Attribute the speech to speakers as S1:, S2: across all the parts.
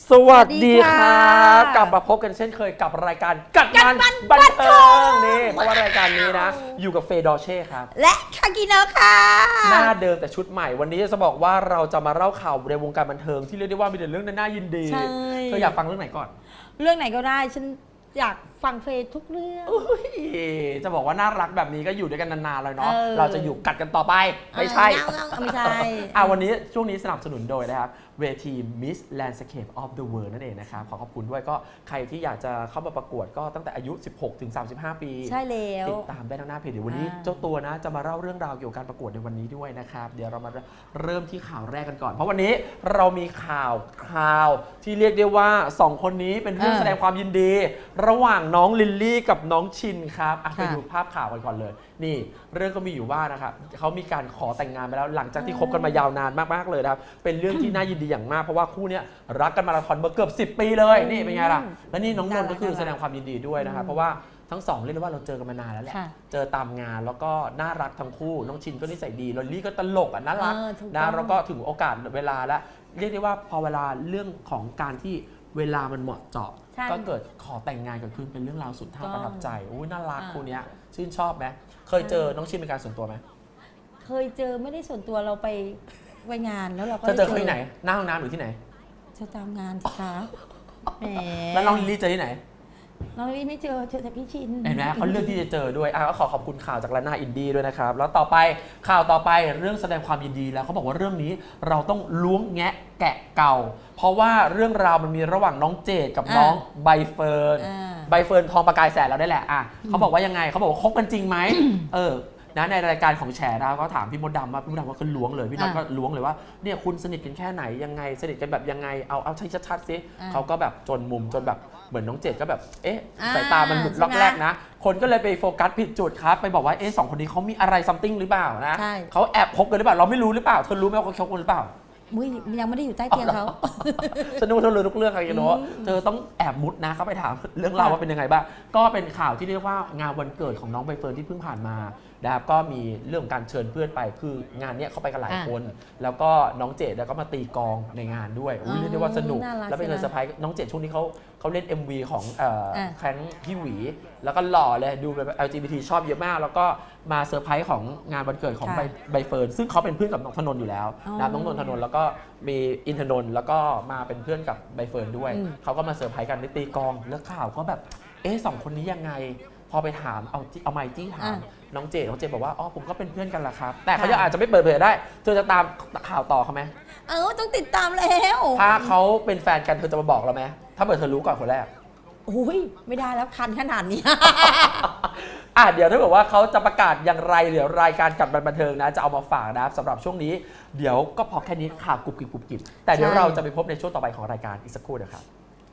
S1: สวัสดีครับกลับมาพบกันเช่นเคยกับรายการกัดมันบันเทิงนี่เพราะว่ารายการนี้นะอยู่กับเฟย์ดอเช่ครับ
S2: และคากิโนะค่ะ
S1: หน้าเดิมแต่ชุดใหม่วันนี้จะบอกว่าเราจะมาเล่าข่าวในวงการบันเทิงที่เรียกได้ว่ามีแต่เรื่องน่ายินดีเธออยากฟังเรื่องไหนก่อน
S2: เรื่องไหนก็ได้ฉันอยากฟังเฟย์ทุกเรื่อง
S1: จะบอกว่าน่ารักแบบนี้ก็อยู่ด้วยกันนานๆเลยเนาะเราจะอยู่กัดกันต่อไปไม่ใช่
S2: ไม่ใช่
S1: วันนี้ช่วงนี้สนับสนุนโดยนะครับเวที Miss Landscape of the World นั่นเองนะครับขอบคุณด้วยก็ใครที่อยากจะเข้ามาประกวดก็ตั้งแต่อายุ 16-35 ปี
S2: ใช่แล้ว
S1: ติดตามได้ทางหน้าเพจเดี๋ยววันนี้เจ้าตัวนะจะมาเล่าเรื่องราวเกี่ยวกับการประกวดในวันนี้ด้วยนะครับเดี๋ยวเรามาเริ่มที่ข่าวแรกกันก่อนเพราะวันนี้เรามีข่าวที่เรียกได้ว่า2คนนี้เป็นเรื่องแสดงความยินดีระหว่างน้องลิลลี่กับน้องชินครับไปดูภาพข่าวกันก่อนเลยนี่เรื่องก็มีอยู่ว่านะครับเขามีการขอแต่งงานไปแล้วหลังจากที่คบกันมายาวนานมากๆเลยนะครับเป็นเรื่องที่น่ายินดีอย่างมากเพราะว่าคู่นี้รักกันมาราธอนมาเกือบ10 ปีเลยนี่เป็นไงล่ะและนี่น้องนนท์ก็คือแสดงความยินดีด้วยนะครับเพราะว่าทั้งสองเรียกได้ว่าเราเจอกันมานานแล้วแหละเจอตามงานแล้วก็น่ารักทั้งคู่น้องชินก็นิสัยดีลอลลี่ก็ตลกน่ารักนะแล้วก็ถึงโอกาสเวลาแล้วเรียกได้ว่าพอเวลาเรื่องของการที่เวลามันเหมาะเจาะก็เกิดขอแต่งงานเกิดขึ้นเป็นเรื่องราวสุดท้าประทับใจอุ้ยน่ารักคู่นี้ชื่นชอบไหมเคยเจอน้องชินเป็นการส่วนตัวไหม
S2: เคยเจอไม่ได้ส่วนตัวเราไปงานแล้วเราก็
S1: เจอที่ไหนหน้าห้องน้ำหรือที่ไหน
S2: เจอตามงานสิคะแหม
S1: แล้วน้องลิลลี่เจอที่ไหน
S2: น้องลิลลี่ไม่เจอแต่พี่ชิน
S1: เห็นไหมเขาเลือกที่จะเจอด้วยก็ขอบคุณข่าวจากร้านหน้าอินดี้ด้วยนะครับแล้วต่อไปข่าวต่อไปเรื่องแสดงความยินดีแล้วเขาบอกว่าเรื่องนี้เราต้องล้วงแงะแกะเก่าเพราะว่าเรื่องราวมันมีระหว่างน้องเจดกับน้องใบเฟิร์นทองประกายแสนเราได้แหละเขาบอกว่ายังไงเขาบอกว่าคบกันจริงไหมในรายการของแฉนะก็ถามพี่มดดำว่าก็ล้วงเลยพี่น็อตก็ล้วงเลยว่าเนี่ยคุณสนิทกันแค่ไหนยังไงสนิทกันแบบยังไงเอาใช้ชัดๆสิเขาก็แบบจนมุมจนแบบเหมือนน้องเจดก็แบบสายตามันหลุดล็อกแรกนะคนก็เลยไปโฟกัสผิดจุดครับไปบอกว่าสองคนนี้เขามีอะไรซัมติงหรือเปล่านะเขาแอบคบกันหรือเปล่าเราไม่รู้หรือเปล่าเธอรู้ไหมว่าเขาคบกันหรือเปล่า
S2: ยังไม่ได้อยู่ใต้เตียงเขา
S1: ฉันนึกว่าเธอรู้ทุกเรื่องครับโน้เธอต้องแอบมุดนะเข้าไปถามเรื่องราวว่าเป็นยังไงบ้างก็เป็นข่าวที่เรียกว่างานวันเกิดของน้องใบเฟิร์นที่เพิ่งผ่านมานะครับก็มีเรื่องการเชิญเพื่อนไปคืองานนี้เขาไปกันหลายคนแล้วก็น้องเจดก็มาตีกองในงานด้วยเรียกได้ว่าสนุกแล้วเป็นเซอร์ไพรส์น้องเจดช่วงนี้เขาเล่น MV ของแครั้งพี่หวีแล้วก็หล่อเลยดูแบบ LGBT ชอบเยอะมากแล้วก็มาเซอร์ไพรส์ของงานวันเกิดของใบเฟิร์นซึ่งเขาเป็นเพื่อนกับน้องธนนท์อยู่แล้วนะน้องนนทนนท์แล้วก็มีอินทนนท์แล้วก็มาเป็นเพื่อนกับใบเฟิร์นด้วยเขาก็มาเซอร์ไพรส์กันในตีกองแล้วข่าวก็แบบสองคนนี้ยังไงพอไปถามเอาไมค์จี้ถามน้องเจบอกว่าผมก็เป็นเพื่อนกันแหละครับแต่เขาอาจจะไม่เปิดเผยได้เธอจะตามข่าวต่อเขาไหม
S2: ต้องติดตามแล้ว
S1: ถ้าเขาเป็นแฟนกันเธอจะมาบอกเราไหมถ้าเธอรู้ก่อนคนแรก
S2: ไม่ได้แล้วคันขนาดนี้
S1: เดี๋ยวถ้าบอกว่าเขาจะประกาศอย่างไรเดี๋ยวรายการกัดบันเทิงนะจะเอามาฝากนะครับสำหรับช่วงนี้เดี๋ยวก็พอแค่นี้ข่าวกุบกิบแต่เดี๋ยวเราจะไปพบในช่วงต่อไปของรายการอีกสักครู่เดียวครับ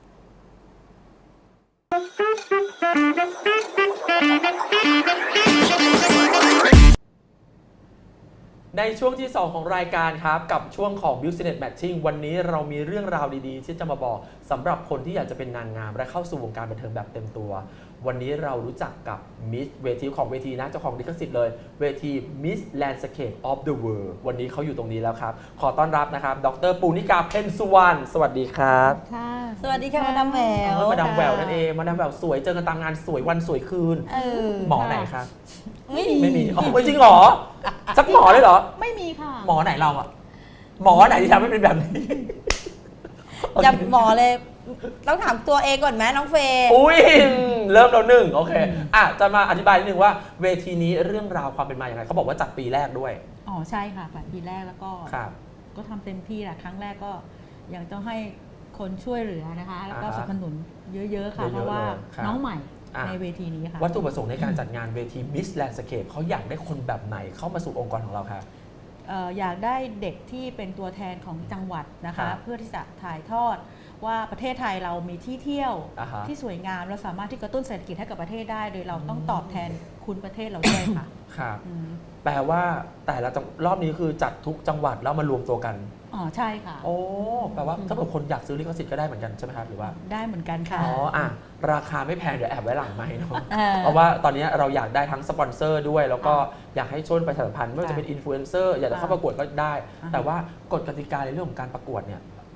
S1: ในช่วงที่2ของรายการครับกับช่วงของ Business Matching วันนี้เรามีเรื่องราวดีๆที่จะมาบอกสำหรับคนที่อยากจะเป็นนางงามและเข้าสู่วงการบันเทิงแบบเต็มตัววันนี้เรารู้จักกับมิสเวทีของเวทีนะเจ้าของลิขสิทธิ์เลยเวที Miss Landscape of the World วันนี้เขาอยู่ตรงนี้แล้วครับขอต้อนรับนะครับดร.ปูนิกาเพ็ญสุวรรณสวัสดีครับ
S2: ค่ะสวัสดีค่ะมาดามแหวว
S1: มาดามแหววนั่นเองมาดามแหววสวยเจอกันตามงานสวยวันสวยคืนหมอไหนครับไม่มีไม่จริงหรอสักหมอเลยเหรอ
S2: ไม่มีค่ะ
S1: หมอไหนเราอะหมอไหนที่ทำให้เป็นแบบนี้
S2: จะหมอเลยต้องถามตัวเองก่อนไหมน้องเฟย์
S1: เริ่มแล้วหนึ่งโอเคจะมาอธิบายนิดนึงว่าเวทีนี้เรื่องราวความเป็นมาอย่างไรเขาบอกว่าจัดปีแรกด้วย
S3: ใช่ค่ะปีแรกแล้วก็ทำเต็มที่แหละครั้งแรกก็ยังต้องให้คนช่วยเหลือนะคะแล้วก็สนับสนุนเยอะๆค่ะเพราะว่าน้องใหม่ในเวทีนี้ค่ะ
S1: วัตถุประสงค์ในการจัดงานเวที Miss Landscape เขาอยากได้คนแบบไหนเข้ามาสู่องค์กรของเราคะ
S3: อยากได้เด็กที่เป็นตัวแทนของจังหวัดนะคะเพื่อที่จะถ่ายทอดว่าประเทศไทยเรามีที่เที่ยวที่สวยงามและสามารถที่กระตุ้นเศรษฐกิจให้กับประเทศได้โดยเราต้องตอบแทนคุณประเทศเราด้วยค่ะ
S1: ครับแปลว่าแต่ละรอบนี้คือจัดทุกจังหวัดแล้วมารวมตัวกัน
S3: ใช่ค่ะ
S1: แปลว่าถ้าเกิดคนอยากซื้อลิขสิทธิ์ก็ได้เหมือนกันใช่ไหมครับหรือว่า
S3: ได้เหมือนกันค่ะ
S1: ราคาไม่แพงเดี๋ยวแอบไว้หลังไมค์เนาะเพราะว่าตอนนี้เราอยากได้ทั้งสปอนเซอร์ด้วยแล้วก็อยากให้ช่วยประชาสัมพันธ์ไม่ว่าจะเป็นอินฟลูเอนเซอร์อยากจะเข้าประกวดก็ได้แต่ว่ากฎกติกาในเรื่องของการประกวดเนี่ย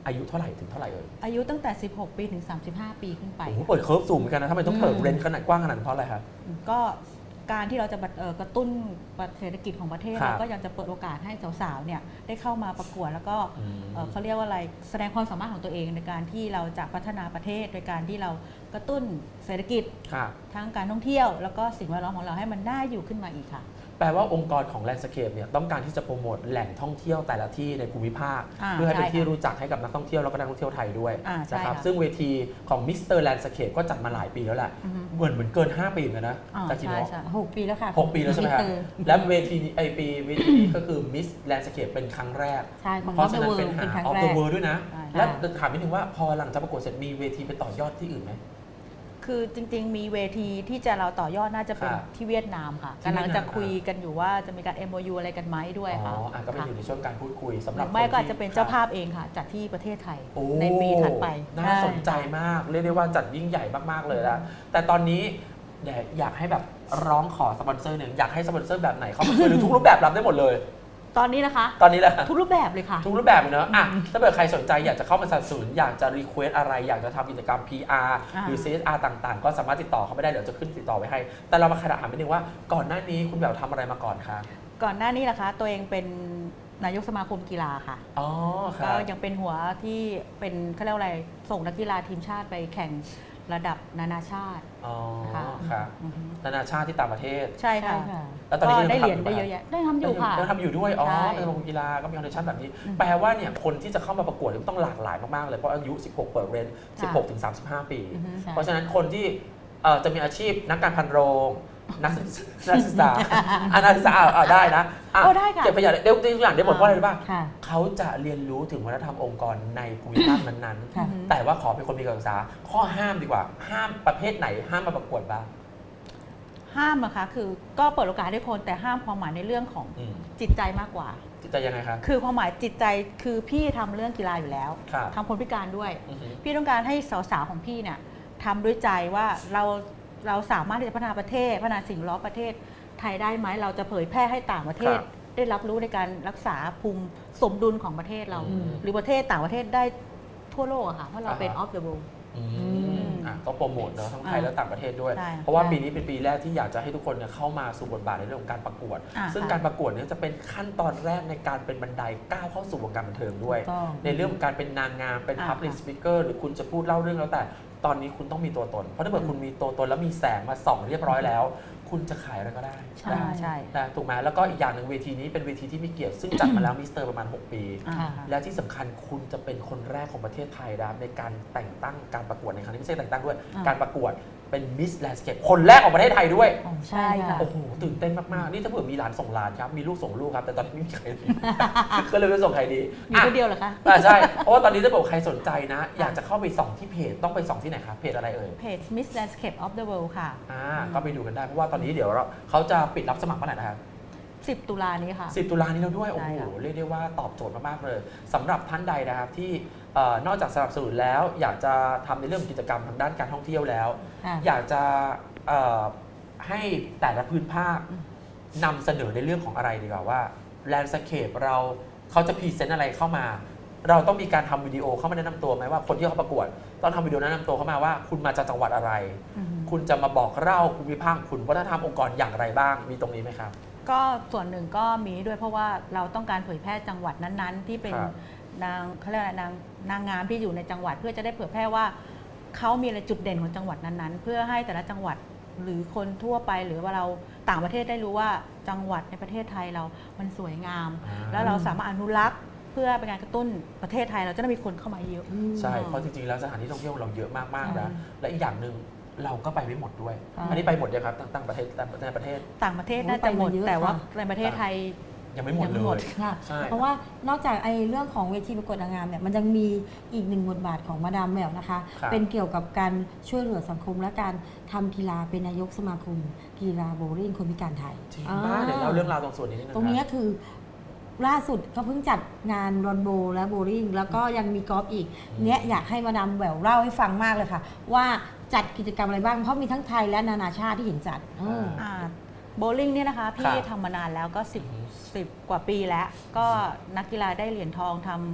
S1: อายุเท่าไหร่ถึงเท่าไหร่
S3: อายุตั้งแต่ 16 ปีถึง 35 ปีขึ้นไป
S1: โอ้โหเปิดเคิร์ฟสูงเหมือนกันนะทำไมต้องเปิดเรนจ์ขนาดกว้างขนาดนั้นเพราะอะไรครับ
S3: ก็การที่เราจะกระตุ้นเศรษฐกิจของประเทศ
S1: ครับ
S3: เราก็ยังจะเปิดโอกาสให้สาวๆเนี่ยได้เข้ามาประกวดแล้วก็เขาเรียกว่าอะไรแสดงความสามารถของตัวเองในการที่เราจะพัฒนาประเทศโดยการที่เรากระตุ้นเศรษฐกิจ
S1: ครับ
S3: ทั้งการท่องเที่ยวแล้วก็สิ่งแวดล้อมของเราให้มันน่าอยู่ขึ้นมาอีกค่ะ
S1: แปลว่าองค์กรของ Landscape เนี่ยต้องการที่จะโปรโมทแหล่งท่องเที่ยวแต่ละที่ในภูมิภาค เพื่อให้เป็นที่รู้จักให้กับนักท่องเที่ยวแล้วก็นักท่องเที่ยวไทยด้วย
S3: ใช่
S1: นะครับ
S3: ค่ะ
S1: ซึ่งเวทีของ Mr. Landscape ก็จัดมาหลายปีแล้วแหละ เหมือนเกิน 5 ปีเหมือนกันนะจากคิด
S3: ใช่
S1: ว่า
S3: ใช่
S2: 6 ปีแล้วค่ะ
S1: 6 ปีแล้วใช่ไหมครับ
S2: มิสเตอร์
S1: และเวทีนี้เวทีนี้ก็คือ Miss Landscape เป็นครั้งแรก
S2: ใช่ของ
S1: เพราะฉะนั้นเป็น
S2: เป็นครั้ง
S1: of
S2: แร
S1: the
S2: ก
S1: world ด้วยนะ
S3: ใช่
S1: และถามนิดนึงว่าพอหลังจากประกวดเสร็จมีเวทีไปต่อยอดที่อื่นไหม
S3: คือจริงๆ มีเวทีที่จะเราต่อยอดน่าจะเป็น
S1: ครับ
S3: ที่เวียดนามค่ะ
S1: ที่เวี
S3: กำ
S1: ยดนาม
S3: ลังจะคุยกันอยู่ว่าจะมีการ MOU อะไรกันไหมด้วย
S1: อ๋
S3: ค่ะ
S1: อก็เป็นอยู่ในช่วงการพูดคุยสำหรับ
S3: ไม่
S1: คน
S3: ก็อาจ
S1: ที่
S3: จะเป็นเจ้าภาพเองค่ะ จัดที่ประเทศไทย
S1: โอ้
S3: ในปีถัดไป
S1: น่าสนใจมาก เรียกได้ว่าจัดยิ่งใหญ่มาก ๆ เลยนะแต่ตอนนี้อยากให้แบบร้องขอสปอนเซอร์หนึ่งอยากให้สปอนเซอร์แบบไหนเข้ามาช่วยหรือทุกรูปแบบรับได้หมดเลย
S3: ตอนนี้นะคะ
S1: ตอนนี้แหละ
S3: ทุกรูปแบบเลยค่ะ
S1: ทุกรูปแบบเลยเนอะอ่ะถ้าเกิดใครสนใจอยากจะเข้ามาสนับสนุนอยากจะรีเควสอะไร อยากจะทำกิจกรรม PR หรือ CSR ต่างๆ ก็สามารถติดต่อเขาไม่ได้เดี๋ยวจะขึ้นติดต่อไว้ให้ แต่เรามาขนาดถามนิดนึงว่าก่อนหน้านี้คุณแบบทำอะไรมาก่อนคะ
S3: ก่อนหน้านี้นะคะ ตัวเองเป็นนายกสมาคมกีฬาค่ะ
S1: อ๋อค
S3: ก็
S1: รับ
S3: ยังเป็นหัวที่เป็นเขาเรียกว่าอะไรส่งนักกีฬาทีมชาติไปแข่งระดับนานาชาติ
S1: อ๋อ
S3: ค่ะ
S1: ครับ
S3: อือฮึ
S1: นานาชาติที่ต่างประเทศ
S3: ใช่ค่ะ
S2: ใช่ค่ะ
S1: แล้วตอนนี้
S3: ก็
S1: ก็
S3: ได้
S1: ยัง
S3: เหรียญ
S1: ทำอยู่
S3: ได้
S1: ปะ
S3: เยอะแยะได้ทำอยู่ค่ะ
S1: ยังทำอยู่ด้วยอ๋อ
S3: ใช่
S1: เป็นสมาคมกีฬาก็มีคอนเนคชั่นแบบนี้ แปลว่าเนี่ยคนที่จะเข้ามาประกวดเนี่ยต้องหลากหลายมากๆเลยเพราะอายุ 16 เปิดเรนจ์ 16 ถึง 35 ปี
S3: อือฮึ
S2: ใช่
S1: เพราะฉะนั้นคนที่จะมีอาชีพนักการพันโรงนักศึกษานักศึกษาได้นะอ่ะ
S3: โอ้ได้ค่ะ
S1: เก็บขยะเดี๋ยวตัวอย่างได้หมดเพราะอะไรรู้ป่ะ
S2: ค่ะ
S1: เขาจะเรียนรู้ถึงวัฒนธรรมองค์กรในภูมิภาคนั้น
S2: ค่ะ
S1: ๆ แต่ว่าขอเป็นคนมีการศึกษาข้อห้ามดีกว่า ห้ามประเภทไหนห้ามมาประกวดบ้าง
S3: ห้ามนะคะคือก็เปิดโอกาสให้คนแต่ห้ามความหมายในเรื่องของ
S1: อืม
S3: จิตใจมากกว่า
S1: จิตใจยังไงครับ
S3: คือความหมายจิตใจคือพี่ทำเรื่องกีฬาอยู่แล้ว
S1: ครับ
S3: ทำคนพิการด้วย
S1: อือฮึ
S3: พี่ต้องการให้สาวๆของพี่เนี่ยทำด้วยใจว่าเราสามารถที่จะพัฒนาประเทศพัฒนาสิ่งแวดล้อมประเทศไทยได้ไหมเราจะเผยแพร่ให้ต่างประเทศ
S1: ครับ
S3: ได้รับรู้ในการรักษาภูมิสมดุลของประเทศเรา
S1: อืม
S3: หรือประเทศต่างประเทศได้ทั่วโลกอะค่ะเพราะเราเป็น
S1: อ่าฮะ
S3: off the world
S1: อืมก็โปรโมทเนอะทั้งไทยและต่างประเทศด้วย
S3: ใช่
S1: เพราะว่าปีนี้เป็นปีแรกที่อยากจะให้ทุกคนเนี่ยเข้ามาสู่บทบาทในเรื่องของการประกวด
S3: อ่า
S1: ซึ่ง
S3: ค่ะ
S1: การประกวดเนี่ยจะเป็นขั้นตอนแรกในการเป็นบันไดก้าวเข้าสู่วงการบันเทิงด้วย
S2: ถูกต้อง
S1: ในเรื่องของการเป็นนางงามเป็น
S3: อ่า
S1: public
S3: ค่ะ
S1: speaker หรือคุณจะพูดเล่าเรื่องแล้วแต่ตอนนี้คุณต้องมีตัวตน เพราะถ้าเกิดคุณมีตัวตนแล้วมีแสงมาส่องเรียบร้อยแล้ว คุณจะขายอะไรก็ได้
S3: ใช่ใช่
S1: นะถูกไหมแล้วก็อีกอย่างหนึ่งเวทีนี้เป็นเวทีที่มีเกียรติซึ่งจัดมาแล้วมิสเตอร์ประมาณ 6 ปี
S3: อ่า
S2: ค่ะ
S1: และที่สำคัญคุณจะเป็นคนแรกของประเทศไทยนะครับในการแต่งตั้งการประกวดในครั้งนี้ไม่ใช่แต่งตั้งด้วย
S3: อ่า
S1: การประกวดเป็นมิสแลนด์สเคปคนแรกของประเทศไทยด้วย
S3: ใช่ค่ะ
S1: โอ้โหตื่นเต้นมาก ๆ นี่ถ้าเผื่อมีหลานส่งหลานครับ มีลูกส่งลูกครับ แต่ตอนนี้ไม่มีใครดี ก็เลยไม่ส่งใครดี
S3: มีคนเดียวเหรอคะ
S1: ใช่ เพราะว่าตอนนี้ถ้าเกิดใครสนใจนะ อยากจะเข้าไปส่องที่เพจต้องไปส่องที่ไหนครับเพจอะไรเอ่ย
S3: เพจ Miss Landscape of the World ค่ะ
S1: ก็ไปดูกันได้เพราะว่าตอนนี้เดี๋ยวเขาจะปิดรับสมัครเมื่อไหร่นะครับ
S3: 10 ตุลานี้ค่ะ
S1: 10 ตุลานี้แล้วด้วย โอ้
S3: ใช่
S1: โห
S3: ค่ะ
S1: เรียกได้ว่าตอบโจทย์มาก ๆ เลยสำหรับท่านใดนะครับที่นอกจากสนับสนุนแล้ว อยากจะทำในเรื่องของกิจกรรมทางด้านการท่องเที่ยวแล้ว
S2: ค่ะ
S1: อยากจะให้แต่ละพื้นภาคนำเสนอในเรื่องของอะไรดีกว่าว่าแลนด์สเคปเขาจะพรีเซนต์อะไรเข้ามา เราต้องมีการทำวิดีโอเข้ามาแนะนำตัวไหมว่าคนที่เขาประกวดต้องทำวิดีโอแนะนำตัวเข้ามาว่า คุณมาจากจังหวัดอะไร
S3: อือฮึ
S1: คุณจะมาบอกเล่าภูมิภาคคุณวัฒนธรรมองค์กรอย่างไรบ้างมีตรงนี้ไหมครับ
S3: ก็ส่วนหนึ่งก็มีด้วยเพราะว่าเราต้องการเผยแพร่จังหวัดนั้นๆ ที่เป็น
S1: ครับ
S3: นางเขาเรียกอะไรนางงามที่อยู่ในจังหวัด เพื่อจะได้เผยแพร่ว่าเขามีอะไรจุดเด่นของจังหวัดนั้นๆ เพื่อให้แต่ละจังหวัดหรือคนทั่วไปหรือว่าเราต่างประเทศได้รู้ว่าจังหวัดในประเทศไทยเรามันสวยงาม แล้วเราสามารถอนุรักษ์เพื่อเป็นการกระตุ้นประเทศไทยเราจะได้มีคนเข้ามาเยอะ
S1: ใช่ เพราะจริงๆ แล้วสถานที่ท่องเที่ยวเราเยอะมากๆนะ และอีกอย่างหนึ่งเราก็ไปไม่หมดด้วย
S2: ค่ะ
S1: อันนี้ไปหมดยังครับต่างประเทศในประเทศ
S3: ต่างประเทศน่าจะหมด
S2: โอ้ยไปมาเยอะ
S3: แต่ว่า
S2: ค่ะ
S3: ในประเทศไทย
S1: ยังไม่หมด
S3: ยัง
S1: เล
S3: ไม่หมด
S1: ย
S2: ค่ะ
S1: ใช่
S2: เพราะว่านอกจากไอ้เรื่องของเวทีประกวดนางงามเนี่ยมันยังมีอีกหนึ่งบทบาทของมาดามแหววนะคะ
S1: ครับ
S2: เป็นเกี่ยวกับการช่วยเหลือสังคมและการทำกีฬาเป็นนายกสมาคมกีฬาโบว์ลิ่งคนพิการไทย
S1: จริงมากเดี๋ยวเล่าเรื่องราวตรงส่วนนี้นิดนึง
S2: ตรงนี้
S1: นะ
S2: คือล่าสุดเขาเพิ่งจัดงานรอนโบว์และโบว์ลิ่งแล้วก็ยังมีกอล์ฟอีกเนี้ยอยากให้มาดามแหววเล่าให้ฟังมากเลยค่ะ ว่าจัดกิจกรรมอะไรบ้างเพราะมีทั้งไทยและนานาชาติที่เห็นจัด
S3: โบลิ่งเนี่ยนะคะ
S1: ค
S3: พี่
S1: รับ
S3: ทำมานานแล้วก็10กว่าปีแล้ว ก็นักกีฬาได้เหรียญทองทำ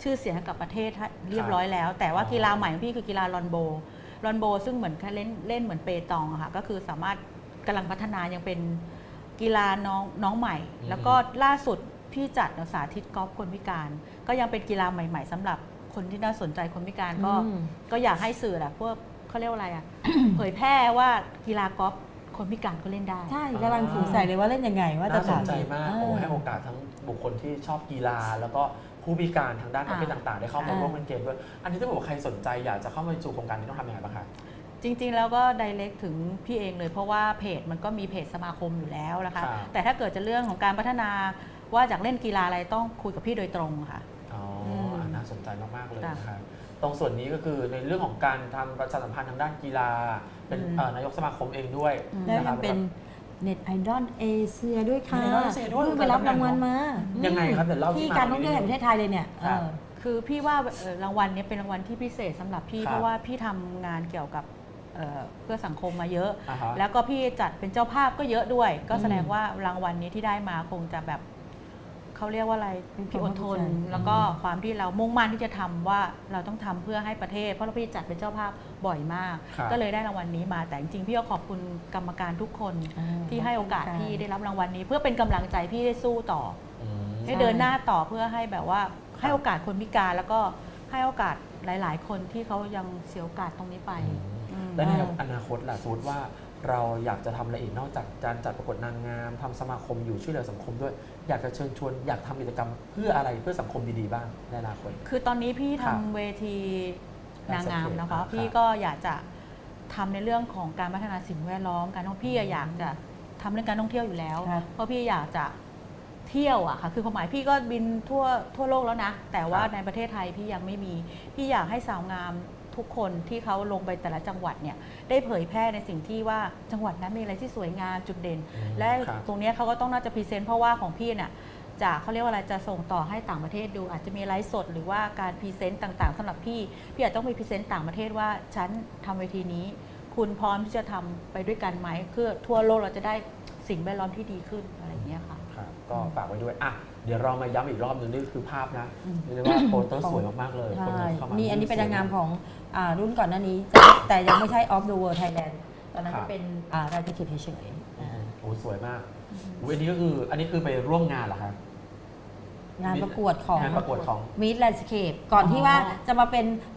S3: ชื่อเสียงให้กับประเทศเรียบร้อยแล้ว แต่ว่ากีฬาใหม่ของพี่คือกีฬาลอนโบซึ่งเหมือนเล่นเหมือนเปตองอะค่ะก็คือสามารถกำลังพัฒนายังเป็นกีฬาน้องใหม่ แล้วก็ล่าสุดพี่จัดสาธิตกอล์ฟคนพิการก็ยังเป็นกีฬาใหม่ๆสำหรับคนที่น่าสนใจคนพิการก็อยากให้สื่อแหละพวกเขาเรียกว่าอะไรอะเผยแพร่ว่ากีฬากอล์ฟคนพิการก็เล่นได้
S2: ใช่กำลังสงสัยเลยว่าเล่นยังไงว่าจะ
S1: น่าสนใจมากโอ้ให้โอกาสทั้งบุคคลที่ชอบกีฬาแล้วก็ผู้พิการทางด้านประเภทต่างๆได้เข้ามาร่วมเล่นเกมด้วยอันนี้ถ้าบอกว่าใครสนใจอยากจะเข้ามาสู่โครงการนี้ต้องทำยังไงบ้างคะ
S3: จริงๆแล้วก็ direct ถึงพี่เองเลยเพราะว่าเพจมันก็มีเพจสมาคมอยู่แล้วนะคะแต่ถ้าเกิดจะเรื่องของการพัฒนาว่าจากเล่นกีฬาอะไรต้องคุยกับพี่โดยตรงค่ะ
S1: อ๋อน่าสนใจมากๆเลยนะคะตรงส่วนนี้ก็คือในเรื่องของการทำประชาสัมพันธ์ทางด้านกีฬาเป็นนายกสมาคมเองด้วย
S2: แล้วยังเป็นเน็ตไอดอลเอเชียด้วยค่ะ
S1: เพิ่
S2: งไปรับรางวัลมา
S1: ยังไงครับเดี๋ยวเล่า
S2: ที่การท่องเที่ยวแห่งประเทศไทยเลยเนี่ย
S3: คือพี่ว่ารางวัลนี้เป็นรางวัลที่พิเศษสำหรับพี่เพราะว่าพี่ทำงานเกี่ยวกับเพื่อสังคมมาเยอะแล้วก็พี่จัดเป็นเจ้าภาพก็เยอะด้วยก็แสดงว่ารางวัลนี้ที่ได้มาคงจะแบบเขาเรียกว่าอะไรพี่อดทนแล้วก็ความที่เรามุ่งมั่นที่จะทำว่าเราต้องทำเพื่อให้ประเทศเพราะเราพี่จัดเป็นเจ้าภาพบ่อยมากก็เลยได้รางวัลนี้มาแต่จริงๆพี่ก็ขอบคุณกรรมการทุกคนที่ให้โอกาสพี่ได้รับรางวัลนี้เพื่อเป็นกำลังใจพี่ได้สู้ต่อให้เดินหน้าต่อเพื่อให้แบบว่าให้โอกาสคนพิการแล้วก็ให้โอกาสหลายๆคนที่เขายังเสียโอกาสตรงนี้ไป
S1: และในอนาคตล่ะสมมติว่าเราอยากจะทำอะไรอีกนอกจากการจัดประกวดนางงามทำสมาคมอยู่ช่วยเหลือสังคมด้วยอยากจะเชิญชวนอยากทำกิจกรรมเพื่ออะไรเพื่อสังคมดีๆบ้างในอนาคต
S3: คือตอนนี้พี่ทำเวทีนางงามนะคะพี่ก็อยากจะทำในเรื่องของการพัฒนาสิ่งแวดล้อมการท่องเที่ยวอยากจะทำเรื่องการท่องเที่ยวอยู่แล้วเพราะพี่อยากจะเที่ยวอะค่ะคือความหมายพี่ก็บินทั่วโลกแล้วนะแต่ว่าในประเทศไทยพี่ยังไม่มีพี่อยากให้สาวงามทุกคนที่เขาลงไปแต่ละจังหวัดเนี่ยได้เผยแพร่ในสิ่งที่ว่าจังหวัดนั้นมีอะไรที่สวยงามจุดเด่นและตรงนี้เขาก็ต้องน่าจะพรีเซนต์เพราะว่าของพี่เนี่ยจะเขาเรียกว่าอะไรจะส่งต่อให้ต่างประเทศดูอาจจะมีไลฟ์สดหรือว่าการพรีเซนต์ต่างๆสำหรับพี่อาจต้องมีพรีเซนต์ต่างประเทศว่าฉันทำเวทีนี้คุณพร้อมที่จะทำไปด้วยกันไหมเพื่อทั่วโลกเราจะได้สิ่งแวดล้อมที่ดีขึ้นอะไรอย่างเงี้ยค่ะ
S1: ก็ฝากไว้ด้วยอ่ะเดี๋ยวเรามาย้ำอีกรอบนึงนี่คือภาพนะเรียกว่าโปสเตอร์สวยมากๆเลย
S2: มีอันนี้เป็นนางงามของรุ่นก่อนหน้านี้แต่ยังไม่ใช่ Off the World Thailand ตอนนั้นจะเป็นรายการเฉยๆ
S1: โอ้สวยมากอันนี้คือไปร่วมงานเหรอครับ
S2: งานประกวดของ Miss Landscape ก่อนที่ว่าจะมาเป็น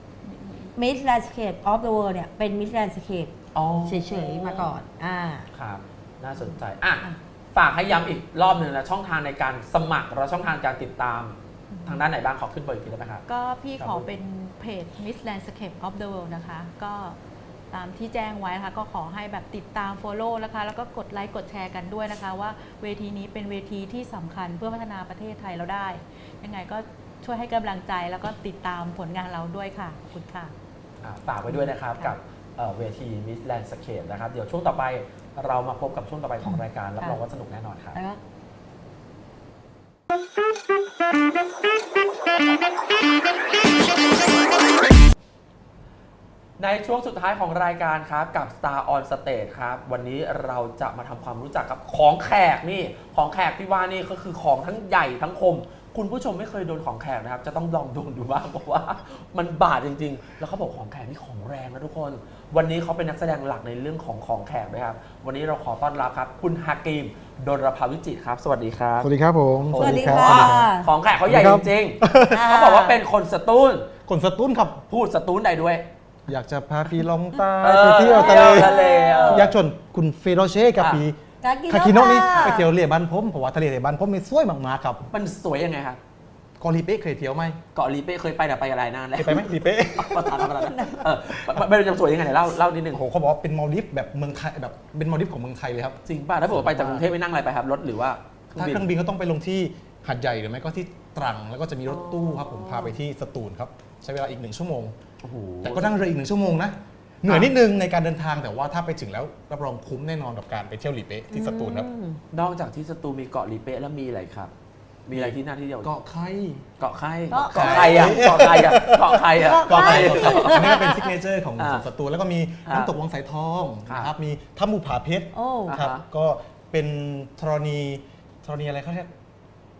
S2: Miss Landscape of the World เนี่ยเป็น Miss Landscape เฉยๆมาก่อน
S1: ครับน่าสนใจฝากให้ย้ำอีกรอบหนึ่งนะช่องทางในการสมัครและช่องทางการติดตามทางด้านไหนบ้างขอขึ้นเบอร์อีกทีได้ไหมครับ
S3: ก็พี่ขอเป็นเพจ Miss Landscape of the World นะคะก็ตามที่แจ้งไว้นะคะก็ขอให้แบบติดตาม follow นะคะแล้วก็กดไลค์กดแชร์กันด้วยนะคะว่าเวทีนี้เป็นเวทีที่สำคัญเพื่อพัฒนาประเทศไทยเราได้ยังไงก็ช่วยให้กำลังใจแล้วก็ติดตามผลงานเราด้วยค่ะขอบคุณค่ะ
S1: ฝากไว้ด้วยนะครับกับเวที Miss Landscape นะครับเดี๋ยวช่วงต่อไปเรามาพบกับช่วงต่อไปของรายการรับรองว่าสนุกแน่นอนครับในช่วงสุดท้ายของรายการครับกับ Star on Stage ครับวันนี้เราจะมาทำความรู้จักกับของแขกนี่ของแขกที่ว่านี่ก็คือของทั้งใหญ่ทั้งคมคุณผู้ชมไม่เคยโดนของแขกนะครับจะต้องลองโดนดูบ้างเพราะว่ามันบาดจริงๆแล้วเขาบอกของแขกนี่ของแรงนะทุกคนวันนี้เขาเป็นนักแสดงหลักในเรื่องของแขกนะครับวันนี้เราขอต้อนรับครับคุณฮากิมดลภาวิจิตรครับสวัสดีครับ
S4: สวัสดีครับผม
S2: สวัสดีค่ะ
S1: ของแขกเขาใหญ่จริงๆเขาบอกว่าเป็นคนสตูล
S4: ครับ
S1: พูดสตูลใดด้วย
S4: อยากจะพาพี่ลงใต้ไปเที่ยวทะเลอยากชวนคุณเฟโรเช่กับพี่คาคิโนะนี่ไปเที่ยวทะเลบ้านผมเพราะว่าทะเลบ้านผมนี่สวยมากๆครับ
S1: มันสวยยังไงครับ
S4: เกาะลีเป้เคยเที่ยวไหม
S1: เกาะลีเป้เคยไปแต่ไปอะไรนานแล้ว
S4: ไปไหมลีเป้
S1: ภาษาอะไรนะไม่เป็นจะสวยยังไงเล่านิดนึง
S4: โอ้เขาบอกว่าเป็นมาลดิฟแบบเมืองไทยแบบเป็นมาลดิฟของเมืองไทยเลยครับ
S1: จริงป่ะถ้าผมไปจากกรุงเทพไม่นั่งอะไรไปครับรถหรือว่า
S4: ถ้าเครื่องบินก็ต้องไปลงที่หาดใหญ่หรือไม่ก็ที่ตรังแล้วก็จะมีรถตู้ครับผมพาไปที่สตูลครับใช้เวลาอีก1 ชั่วโมงแต่ก็นั่งเรืออีก1 ชั่วโมงนะเหนื่อยนิดนึงในการเดินทางแต่ว่าถ้าไปถึงแล้วรับรองคุ้มแน่นอนกับการไปเที่ยวลีเป้ที่สตูลครับ
S1: นอกจากที่สตูลมีเกาะลีเป้แล้วมีอะไรครับมีอะไรที่น่าที่เดียว
S4: เกาะไข่
S1: อ่ะเกาะไข่
S4: อันนี้ก็เป็นซิกเนเจอร์ของสตูลแล้วก็มีน้ำตกวังสายทองนะครับมีถ้ำภูผาเพชรครับก็เป็นธรณีอะไรเขาเรียก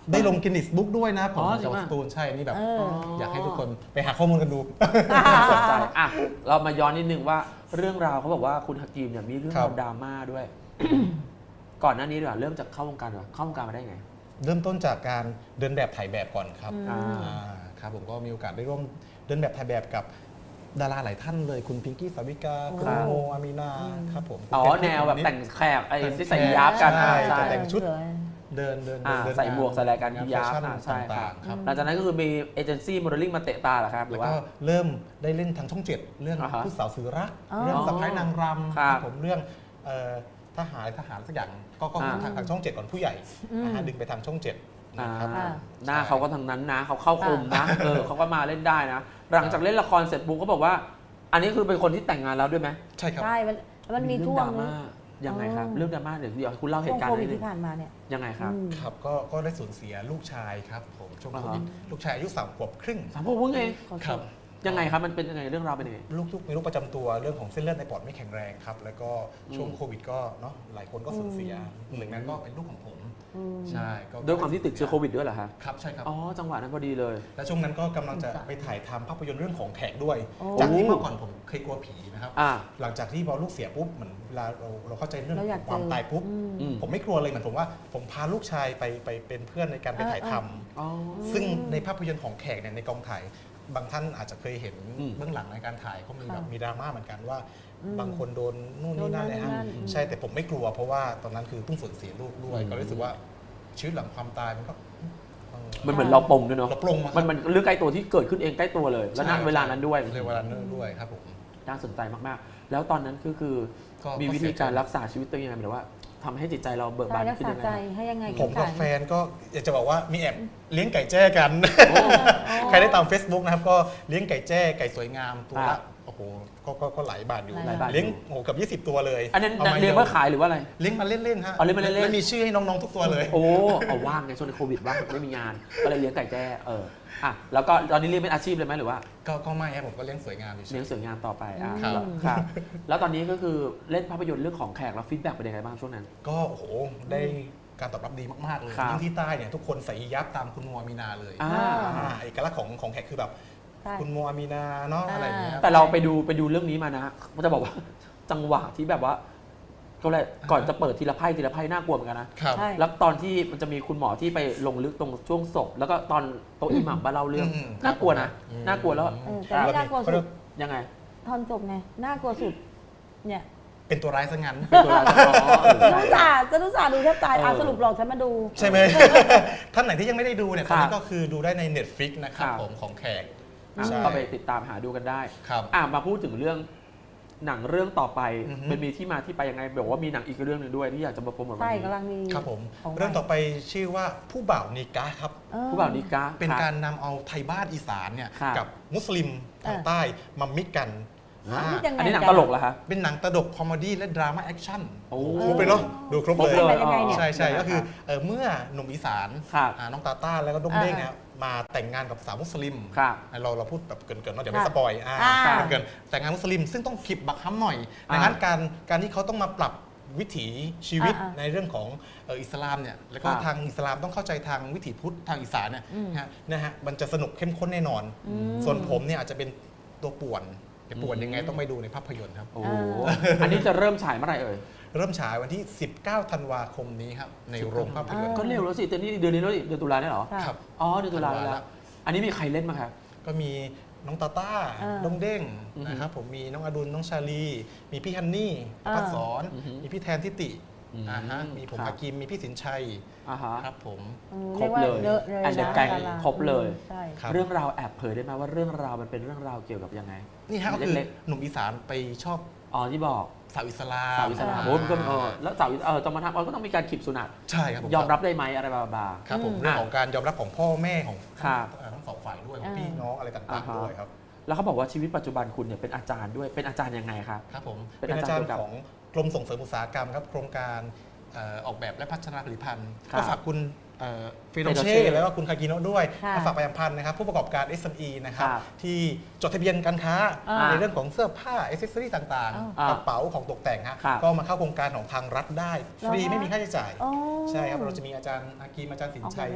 S4: ได้ลงกินนิสบุ๊กด้วยนะผม
S1: อ๋อจริ
S4: จาก
S1: งป่ะ
S4: สตูลใช่นี่แบบ
S2: เออ
S4: อยากให้ทุกคนไปหาข้อมูลกันดู
S1: สนใจอ่ะเรามาย้อนนิดนึงว่าเรื่องราวเขาบอกว่าคุณฮากีมเนี่ยมีเรื่อง
S4: ครั
S1: รา
S4: บ
S1: วดราม่าด้วย ก่อนหน้านี้ดีกว่าเริ่มจากเข้าวงการดีกว่าเข้าวงการมาได้ไง
S4: เริ่มต้นจากการเดินแบบถ่ายแบบก่อนครับ
S1: อ่า
S4: ครับผมก็มีโอกาสได้ร่วมเดินแบบถ่ายแบบกับดาราหลายท่านเลยคุณพิงกี้สาวิกาคุณโมอามีนาครับผม
S1: อ๋อ
S4: คุณเพชร
S1: แนวแบบ
S4: นิด
S1: แต่งแขกไอ้
S4: แต่ง
S1: ที่ใส่ยับกัน
S4: ใช่
S1: ใช่
S4: จะแต่งชุด
S2: เออ
S4: เดิน
S1: ใส่หมวกใส่อะไรกัน
S4: งาน
S1: ยับ
S4: แฟชั่น
S1: ใช่ครั
S4: ต่า
S1: บ
S4: งๆครับ
S1: หลังจากนั้นก็คือมีเอเจนซี่โมเดลลิ่งมาเตะตาเหรอครับหรื
S4: แล้ว
S1: อว่า
S4: ก็เริ่มได้เล่นทางช่องเจ็ดเรื่อง
S1: อ่าฮะ
S4: ผู้สาวสื่อรัก
S2: อ๋อ
S4: เรื่องสะพ้ายนางรำ
S1: ครับ
S4: ผมเรื่องทหารสักอย่างก็
S1: อ่า
S4: ทางช่องเจ็ดก่อนผู้ใหญ่นะฮะดึงไปทางช่องเจ็ด
S1: อ่า
S4: นะครับ
S1: หน้าเขาก็ทางนั้นนะเขาเข้าคมนะเขาก็มาเล่นได้นะ หลังจากเล่นละครเสร็จปุ๊บก็บอกว่า อันนี้คือเป็นคนที่แต่งงานแล้วด้วยไหม
S4: ใช่ครับ
S2: ใช่มันมีช่วง
S1: เรื่องดราม่ายังไงครับ
S2: อ๋อ
S1: เรื่องดราม่าเดี๋ยวให้คุณเล่าเห
S2: ช่วง
S1: ตุการ
S2: โค
S1: ณ์
S2: วิด
S1: นิดนึ
S2: ที่
S1: ง
S2: ผ่านมาเนี่ย
S1: ยังไงครับ
S2: อืม
S4: ครับก็ได้สูญเสียลูกชายครับผมช่วง
S1: อ่า
S4: โค
S1: ฮะ
S4: วิดลูกชายอายุ3 ขวบครึ่ง
S1: สามพวกมึงเอง
S4: ครับ
S1: ยังไงครับมันเป็นยังไงเรื่องราวเป็นยังไง
S4: ลูกมีโรคประจำตัวเรื่องของเส้นเลือดในปอดไม่แข็งแรงครับแล้วก็ช่วงโควิดก็เนาะหลายคนก็สูญเสียหนึ่งนั้นก็เป็นลูกของผม
S2: อืม
S4: ใช่ก็
S1: ด้วยความที่ติดเชื้อโควิดด้วยเหรอครับ
S4: ครับใช่ครับ
S1: อ๋อจังหวะนั้นพอดีเลย
S4: และช่วงนั้นก็กำลังจะไปถ่ายทำภาพยนตร์เรื่องของแขกด้วย
S2: โอ้
S4: จากที่เมื่อก่อนผมเคยกลัวผีนะครับ
S1: อ่า
S4: หลังจากที่พอลูกเสียปุ๊บเหมือนเวลาเราเข้าใจเรื่อง
S2: เราอยาก
S4: ความ
S2: เจอ
S4: ตายปุ๊บ
S1: อืม
S4: ผมไม่กลัวเลยเหมือนผมว่าผมพาลูกชายไปเป็นเพื่อนในการไปถ่ายทำ
S1: อ๋อ
S4: ซึ่งในภาพยนตร์ของแขกเนี่ยในกองถ่ายบางท่านอาจจะเคยเห็น
S1: อืม
S4: เบื้องหลังในการถ่ายก็มีแบบ
S2: ค่ะ
S4: มีดราม่าเหมือนกันว่า
S2: อืม
S4: บางคนโดนนู่นนี่นั่น
S2: โดนนั่น
S4: นะฮะ
S2: นี่นั่น
S4: ใช่แต่ผมไม่กลัวเพราะว่าตอนนั้นคือเพิ่งสูญเสียลูกด้วย
S1: อืม
S4: ก็รู้สึกว่าชีวิตหลังความตายมันก็
S1: มันเหมือนเราปลงด้วยเนาะ
S4: เราปลงมาครับ
S1: มันเรื่องใกล้ตัวที่เกิดขึ้นเองใกล้ตัวเลย และณ
S4: ใช่
S1: เวลานั้นด้วย
S4: ในเวลานั้นด้วยครับผม
S1: น่าสนใจมากๆ แล้วตอนนั้นคือ
S4: ก็
S1: มีวิธีการรักษาชีวิตตัวเองยังไงหมายถึงว่าทำให้จิตใจเราเบิก
S2: ใจ
S1: บาน
S2: รัก
S1: ขึ้น
S2: ษา
S1: ยังไง
S2: ใจ
S1: ครับ
S2: ให้ยังไง
S4: ผมกับ
S2: สาร
S4: แฟนก็อยากจะบอกว่ามีแอบเลี้ยงไก่แจ้กัน ใครได้ตาม Facebook นะครับก็เลี้ยงไก่แจ้ไก่สวยงามตัว
S1: ครั
S4: ละ
S1: บ
S4: โอ้โหก็หลายบาทอยู่
S1: หลายบาทอยู่
S4: เลี้ยงโอ้โหเกับ20 ตัวเลย
S1: อันนั้น
S4: ามา
S1: เรียนเพื่อขายหรือว่าอะไร
S4: เลี้ยงมาเล่นๆฮะ
S1: เอาเลี้ยงมาเล่นๆ
S4: แล้วมีชื่อให้น้องๆทุกตัวเลย
S1: โอ้เอาว่างไงช่วงในโควิดว่างไม่มีงาน ก็เลยเลี้ยงไก่แจ้อ่ะแล้วก็ตอนนี้เลี้ยงเป็นอาชีพเลยไหมหรือว่า
S4: ก็ไม่ครับผมก็เลี้ยงสวยงามอยู่
S1: เลี้ยงสวยงามต่อไปอ่ะ
S4: ครับ
S1: ครับ แล้วตอนนี้ก็คือเล่นภาพยนตร์เรื่องของแขกแล้วฟีดแบ็กเป็นยังไงบ้างช่วงนั้น
S4: ก็โอ้โหได้การตอบรับดีมากๆเลย
S1: ครับ
S4: ยิ่งที่ใต้เนี่ยทุกคนใส่ยับตามคุณโมอามีนาเลย
S1: อ่า
S4: เอกลักษณ์ของแขกคือแบบ
S2: ใช่
S4: คุณโมอามีนาเนาะอะไรอย่างเงี้ย
S1: แต่เราไปดูเรื่องนี้มานะมันจะบอกว่า จังหวะที่แบบว่าก็เลยก่อนจะเปิดทีละไพ่น่ากลัวเหมือนกันนะ
S4: ครับ
S2: ใช่
S1: แล้วตอนที่มันจะมีคุณหมอที่ไปลงลึกตรงช่วงศพ แล้วก็ตอนโต๊ะอิหมัมบ้านเล่าเรื่อง
S4: อืม
S1: น่ากลัวนะ
S4: อืม
S1: น่ากลัวแล้ว
S2: แต่ไม่น่ากลัวสุด
S1: ยังไง
S2: ตอนจบไงน่ากลัวสุดเนี่ย
S4: เป็นตัวร้ายซะงั้น
S1: เป็นตัวร้ายอ๋อ
S2: จะรู้สาดูแทบตายสรุปหลอกฉันมาดู
S4: ใช่ไหม ท่านไหนที่ยังไม่ได้ดูเนี่ย
S1: ค
S4: ต
S1: รั
S4: อน
S1: บ
S4: นี้ก็คือดูได้ใน Netflix นะครับ
S1: ครับ
S4: ผมของแขก
S1: อ่ะ
S4: ใช่
S1: ก็ไปติดตามหาดูกันได้
S4: ครับ
S1: มาพูดถึงเรื่องหนังเรื่องต่อไป
S4: อือฮึ
S1: มันมีที่มาที่ไปยังไงบอกว่ามีหนังอีกเรื่องหนึ่งด้วยที่อยากจะมาโปรโมทวัน
S2: ใช่
S1: นี้
S2: กำลังมี
S4: ครับผม
S2: ของ
S4: เรื่องต่อไปชื่อว่าผู้บ่าวนิกาครับ
S1: ผู้บ่าวนิกา
S4: เป็น
S1: ครับ
S4: การนำเอาไทยบ้านอีสานเนี่ย
S1: ครับ
S4: กับมุสลิมทางใต้มามิกกัน
S2: นี่ยังไง
S1: อันนี้หนังตลกเหรอคะ
S4: เป็นหนังตลกคอมเมดี้และดราม่าแอคชั่น
S1: โอ้
S4: ครบเลยเนาะดูครบ
S1: ครบ
S4: เลย
S1: เลย
S2: ยังไงเนี่ย
S4: ใช่ใช่
S1: ยังไง
S4: ก็คือ
S1: ครับ
S4: เมื่อหนุ่มอีสาน
S1: ครับ
S4: น้องตาต้าแล้วก็ด้งเด้งเนี่ยมาแต่งงานกับสาวมุสลิม
S1: ครับ
S4: เราพูดแบบเกินๆเนาะเดี๋ยวไม่สปอยเกินๆแต่งงานมุสลิมซึ่งต้องขีบบักฮัมหน่อยดังนั้นการที่เขาต้องมาปรับวิถีชีวิตในเรื่องของอิสลามเนี่ยแล้วก็
S1: ครับ
S4: ทางอิสลามต้องเข้าใจทางวิถีพุทธทางอีสานเนี่ยนะฮะมันจะสนุกเข้มข้นแน่นอน ส่วนผมเนี่ยอาจจะเป็นตัวป่วนจะป่วนยังไงต้องไปดูในภาพยนตร์ครับ
S1: โอ้โหอันนี้จะเริ่มฉายเมื่อไหร่เอ่ย
S4: เริ่มฉายวันที่ 19 ธันวาคมนี้ครับในโรงภาพยนตร์
S1: ก็เร็วแล้วสิเดือนนี้เดือนแล้วสิเดือนตุลาเนี่ยเหรอ
S4: ครับ
S1: อ๋อเดือนตุลาแล้ว อันนี้มีใครเล่นมางครับ
S4: ก็มีน้องตาต้าน้องเด้งนะครับผมมีน้องอดุลน้องชาลี มีพี่ฮันนี่พัดสอน มีพี่แทนทิติมีผม
S1: ครับ
S4: ฮากิมมีพี่สินชัย
S1: อ่าฮะ
S4: ครับผม
S1: ครบเลย
S2: เยอะเลย
S1: อันเดอร์แกง
S2: ดาา
S1: ครบเลย
S2: ใช่
S4: ครับ
S1: เรื่องราวแอบเผยได้ไหมว่าเรื่องราวมันเป็นเรื่องราวเกี่ยวกับยังไง
S4: นี่ฮะก็คือ
S1: เล็ก
S4: หนุ่มอีสานไปชอบ
S1: อ๋อที่บอก
S4: สาวอิสลาม
S1: สาวอิสลามโอ้มันก็แล้วสาวจะมาทำก็ต้องมีการขีบสุนัต
S4: ใช่ครับผม
S1: ยอมรับได้ไหมอะไรบา
S4: ครับผมเรื่องของการยอมรับของพ่อแม่ของ
S1: ครับ
S4: ทั้งสองฝ่ายด้วยของพี่น้องอะไรต่างๆด้วยครับ
S1: ๆแล้วเขาบอกว่าชีวิตปัจจุบันคุณเนี่ยเป็นอาจารย์ด้วยเป็นอาจารย์ยังไงครับ
S4: ครับผม
S1: เป็
S4: เป็น น
S1: อา
S4: อา
S1: จา
S4: จาร ร
S1: ย์
S4: ย์ของกรมส่งเสริมอุตสาหกรรมครับโครงการออกแบบและพัฒนาผลิตภัณฑ์
S1: ครับ
S4: ก็ฝากคุณเฟโร
S1: เฟโรเช่
S4: เช่แล้วก็คุณคากิโนะด้วย
S2: ค่ะ
S4: มาฝากประชาสัมพันธ์นะครับผู้ประกอบการ SME นะครับ
S1: ครับ
S4: ที่จดทะเบียนการค้า
S2: อ่า
S4: ในเรื่องของเสื้อผ้าอิเซสซอรี่ต่าง
S1: อ่า
S4: ๆกระเป๋าของตกแต่งฮะ
S1: ครับ
S4: ก็มาเข้าโครงการของทางรัฐได้ ฟรี
S2: เหรอคะ
S4: ไม่มีค่าใช้จ่าย
S2: อ๋อ
S4: ใช่ครับเราจะมีอาจารย์อากีมอาจารย์สินชัย
S2: ออกแบบไหม